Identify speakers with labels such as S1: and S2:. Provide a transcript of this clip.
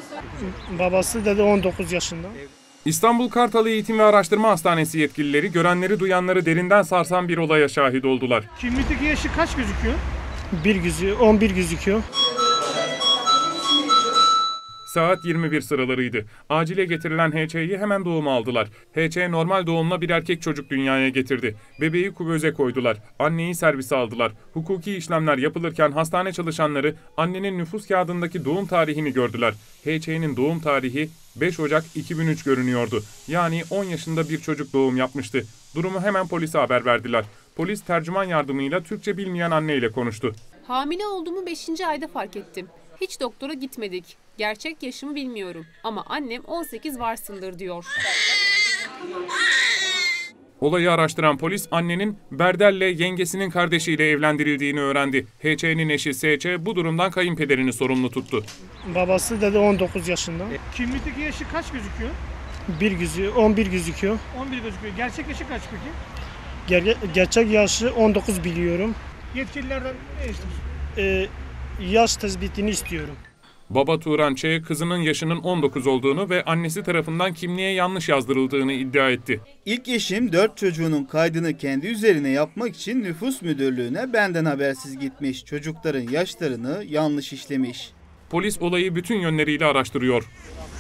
S1: Babası dedi 19 yaşında.
S2: İstanbul Kartal Eğitim ve Araştırma Hastanesi yetkilileri görenleri duyanları derinden sarsan bir olaya şahit oldular.
S3: Kimlikteki yaşı kaç gözüküyor?
S1: 11 gözüküyor.
S2: Saat 21 sıralarıydı. Acile getirilen HÇ'yi hemen doğuma aldılar. HÇ normal doğumla bir erkek çocuk dünyaya getirdi. Bebeği kuvöze koydular. Anneyi servise aldılar. Hukuki işlemler yapılırken hastane çalışanları annenin nüfus kağıdındaki doğum tarihini gördüler. HÇ'nin doğum tarihi 5 Ocak 2003 görünüyordu. Yani 10 yaşında bir çocuk doğum yapmıştı. Durumu hemen polise haber verdiler. Polis tercüman yardımıyla Türkçe bilmeyen anneyle konuştu.
S4: Hamile olduğumu 5. ayda fark ettim. Hiç doktora gitmedik. Gerçek yaşımı bilmiyorum ama annem 18 varsındır diyor.
S2: Olayı araştıran polis annenin Berdel'le yengesinin kardeşiyle evlendirildiğini öğrendi. HÇ'nin eşi SÇ bu durumdan kayınpederini sorumlu tuttu.
S1: Babası dedi 19 yaşında.
S3: Kimlikteki yaşı kaç gözüküyor?
S1: 11 gözüküyor.
S3: 11 gözüküyor. Gerçek yaşı kaç peki?
S1: Gerçek yaşı 19 biliyorum.
S3: Yetkililerden ne istiyorsun?
S1: Yaş tespitini istiyorum.
S2: Baba Turan Ç. kızının yaşının 19 olduğunu ve annesi tarafından kimliğe yanlış yazdırıldığını iddia etti.
S5: İlk eşim 4 çocuğunun kaydını kendi üzerine yapmak için nüfus müdürlüğüne benden habersiz gitmiş. Çocukların yaşlarını yanlış işlemiş.
S2: Polis olayı bütün yönleriyle araştırıyor.